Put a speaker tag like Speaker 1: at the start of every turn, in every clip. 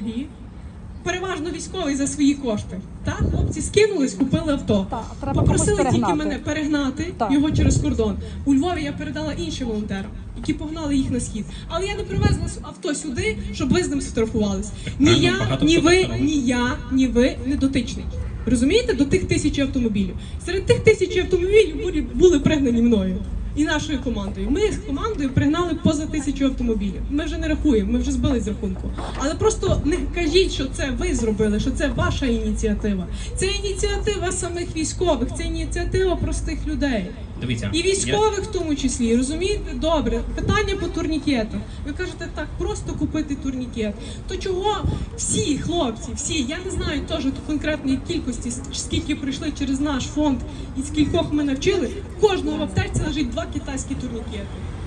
Speaker 1: екології, переважно військовий за свої кошти. Так, хлопці скинулись, купили авто. Попросили тільки мене перегнати його через кордон. У Львові я передала іншим волонтерам, які погнали їх на схід. Але я не привезла авто сюди, щоб ви з ним сфотографувались. Ні я, ні ви не дотичний. Розумієте, до тих 1000 автомобілів. Серед тих 1000 автомобілів були пригнані мною і нашою командою. Ми з командою пригнали поза 1000 автомобілів. Ми вже не рахуємо, ми вже збили з рахунку. Але просто не кажіть, що це ви зробили, що це ваша ініціатива. Це ініціатива самих військових, це ініціатива простих людей.
Speaker 2: Дивіться,
Speaker 1: і військових в тому числі, розумієте? Добре, питання по турнікетах. Ви кажете, так, просто купити турнікет. То чого всі хлопці, всі, я не знаю теж ту конкретної кількості, скільки прийшли через наш фонд і скількох ми навчили, в кожного в аптечці лежить 2 китайські турнікети.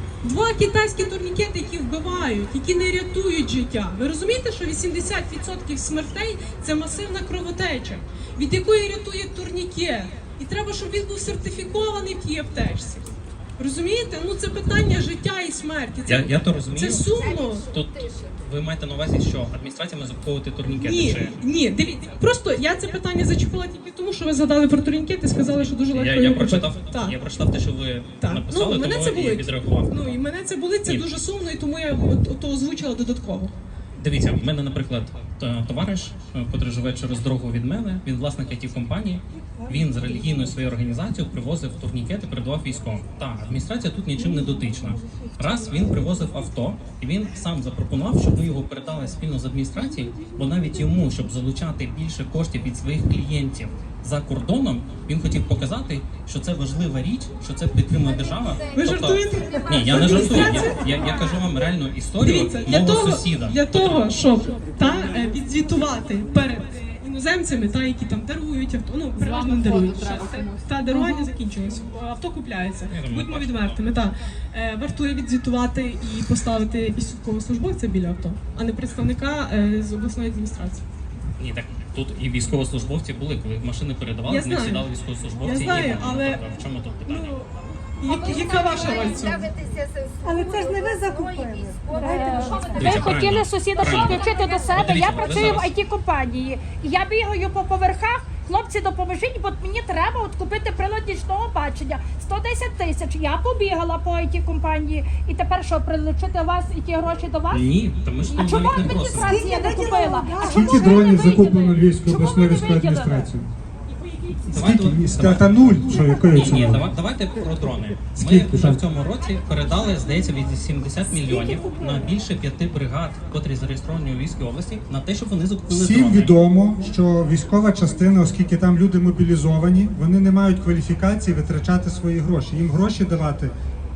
Speaker 1: 2 китайські турнікети, які вбивають, які не рятують життя. Ви розумієте, що 80% смертей – це масивна кровотеча, від якої рятує турнікет. І треба, щоб він був сертифікований в тій аптечці. Розумієте? Ну це питання життя і смерті.
Speaker 2: Я то розумію.
Speaker 1: Це сумно.
Speaker 2: Тут ви маєте на увазі, що адміністрація має закуповувати турнікети?
Speaker 1: Ні, дивіться. Просто я це питання зачепила тільки тому, що ви згадали про турнікети і сказали, що дуже легко
Speaker 2: його купити. Я прочитав те, що ви написали,
Speaker 1: мене
Speaker 2: тому
Speaker 1: це
Speaker 2: і відреагував.
Speaker 1: Ну і мене це болить, це дуже сумно, і тому я то озвучила додатково.
Speaker 2: Дивіться, в мене, наприклад, товариш, який живе через дорогу від мене, він власник IT-компанії, він з релігійною своєю організацією привозив турнікети, передавав військовим. Так, адміністрація тут нічим не дотична. Раз він привозив авто, і він сам запропонував, щоб ми його передали спільно з адміністрацією, бо навіть йому, щоб залучати більше коштів від своїх клієнтів за кордоном, він хотів показати, що це важлива річ, що це підтримує держава.
Speaker 1: Ви жартуєте?
Speaker 2: Ні, я не жартую. Я кажу вам реальну історію мого сусіда.
Speaker 1: Для того, щоб відзвітувати перед іноземцями, які там дарують авто, ну переважно не дарують. Та дарування закінчилось, авто купляється. Будьмо відвертими. Вартує відзвітувати і поставити військовослужбовця біля авто, а не представника з обласної адміністрації.
Speaker 2: Ні, так тут і військовослужбовці були, коли машини передавали, з них сідали військовослужбовці.
Speaker 1: Я знаю, але
Speaker 2: в чому тут питання?
Speaker 1: Яка ваша роль в цьому?
Speaker 3: Але це ж не ви закупили.
Speaker 4: Ви хотіли сусіда підключити до себе, я працюю в IT-компанії. І я бігаю по поверхах, хлопці, допоможіть, бо мені треба от купити прилад нічного бачення. 110 тисяч. Я побігала по IT-компанії. І тепер що, прилучити вас і ті гроші до вас?
Speaker 2: Ні, тому що
Speaker 4: А чому
Speaker 2: навіть не просимо.
Speaker 4: адміністрація не купила?
Speaker 5: Скільки дронів закуплено Львівською обласною військовою адміністрацією? Скільки? Та нуль, що якої це?
Speaker 2: Ні, давайте про дрони. Ми вже в цьому році передали, здається, від 70 мільйонів на більше 5 бригад, котрі зареєстровані у Львівській області, на те, щоб вони закупили дрони.
Speaker 5: Всім відомо, що військова частина, оскільки там люди мобілізовані, вони не мають кваліфікації витрачати свої гроші. Їм гроші давати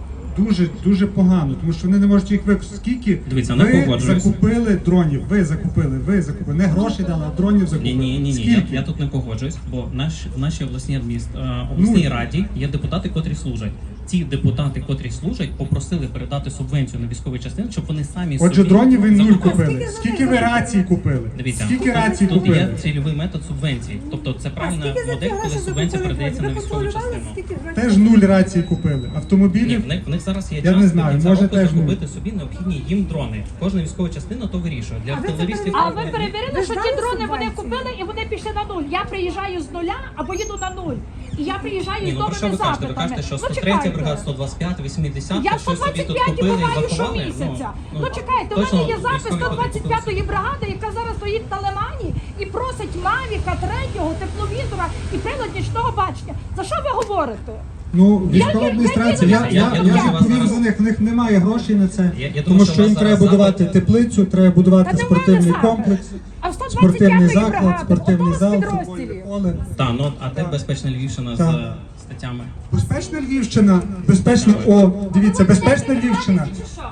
Speaker 5: дуже погано, тому що вони не можуть їх використати. Скільки ви закупили дронів? Ви закупили. Не гроші дали, а дронів закупили.
Speaker 2: Ні, я тут не погоджуюсь, бо в нашій обласній раді є депутати, котрі служать. Ці депутати, котрі служать, попросили передати субвенцію на військові частини, щоб вони самі собі...
Speaker 5: Отже, дронів ви нуль купили. Скільки ви рацій купили?
Speaker 2: Дивіться,
Speaker 5: скільки рацій
Speaker 2: тут
Speaker 5: купили?
Speaker 2: є цільовий метод субвенції. Тобто це правильна модель, коли субвенція передається на військову частину.
Speaker 5: Теж нуль рацій купили. Автомобілів?
Speaker 2: Ні, в них зараз є
Speaker 5: я
Speaker 2: час
Speaker 5: не знаю, може теж
Speaker 2: закупити собі необхідні їм дрони. Кожна військова частина то вирішує. Для артилерістів...
Speaker 4: А ви перевірили, що ті дрони вони купили і вони пішли на нуль? Я приїжджаю з нуля або їду на нуль. І я приїжджаю з новими запитами.
Speaker 2: Ви кажете, що 103 бригада, 125, 80,
Speaker 4: я
Speaker 2: що собі тут
Speaker 4: 125
Speaker 2: купили і
Speaker 4: буваю
Speaker 2: заховали?
Speaker 4: щомісяця. Ну чекайте, у мене є запис 125-ї бригади, яка зараз стоїть на Лимані і просить Мавіка 3-го, тепловізора і прилад нічного бачення. За що ви говорите?
Speaker 5: Ну, військова адміністрація, я відповім за них, в них немає грошей на це, тому що їм треба будувати теплицю, треба будувати спортивний комплекс, спортивний заклад, спортивний зал, футбольне поле.
Speaker 2: Так, ну а де безпечна Львівщина з статтями?
Speaker 5: Безпечна Львівщина, дивіться, безпечна Львівщина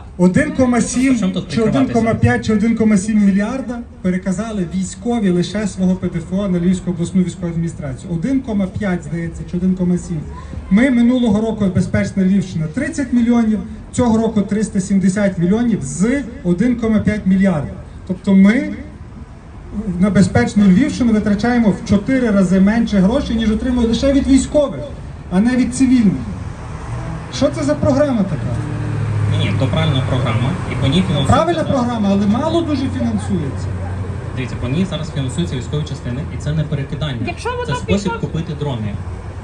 Speaker 5: 1,7 чи 1,5 чи 1,7 мільярда переказали військові лише свого ПДФО на Львівську обласну військову адміністрацію. 1,5, здається, чи 1,7. Ми минулого року безпечна Львівщина 30 мільйонів, цього року 370 мільйонів з 1,5 мільярда. Тобто ми на безпечну Львівщину витрачаємо в 4 рази менше грошей, ніж отримуємо лише від військових, а не від цивільних. Що це за програма така?
Speaker 2: Ні, то правильна програма, і по ній фінансується.
Speaker 5: Правильна програма, але мало дуже фінансується.
Speaker 2: Дивіться, по ній зараз фінансуються військові частини, і це не перекидання.
Speaker 4: Якщо воно
Speaker 2: Це спосіб
Speaker 4: пішло-
Speaker 2: купити дрони.